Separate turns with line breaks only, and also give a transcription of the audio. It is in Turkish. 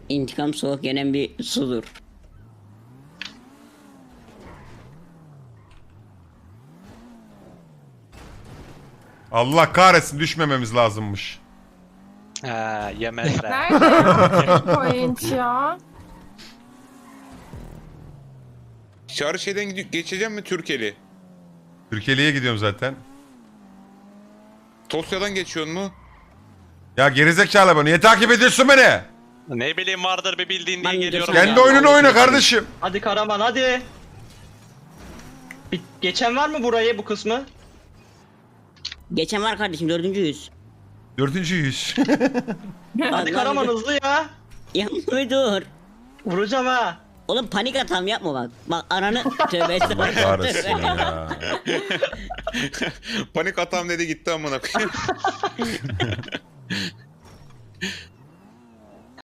İntikam soğuk yenen bir sudur.
Allah kahretsin, düşmememiz lazımmış.
Ha, yemezler.
Nerede point ya?
Çağrı şeyden geçeceğim mi Türkeli?
Türkiye'ye gidiyorum zaten.
Tosya'dan geçiyorsun mu?
Ya gerizekalı bu, niye takip ediyorsun beni?
Ne bileyim vardır bir bildiğin diye
Ben
geliyorum.
geçen-
Kendi
Ya,
oyununu
vallahi
oyna
geçelim.
kardeşim.
Hadi Karaman hadi. Geçen var mı burayı bu kısmı?
Geçen var kardeşim 4.
Dördüncü yüz.
Hadi
Vallahi
Karaman
bir de-
hızlı ya.
Yapma dur.
Vuracağım ha.
Oğlum panik atam yapma bak. Bak ananı tövbe estağfurullah.
Kahretsin ya.
Panik atam dedi gitti amına koyayım.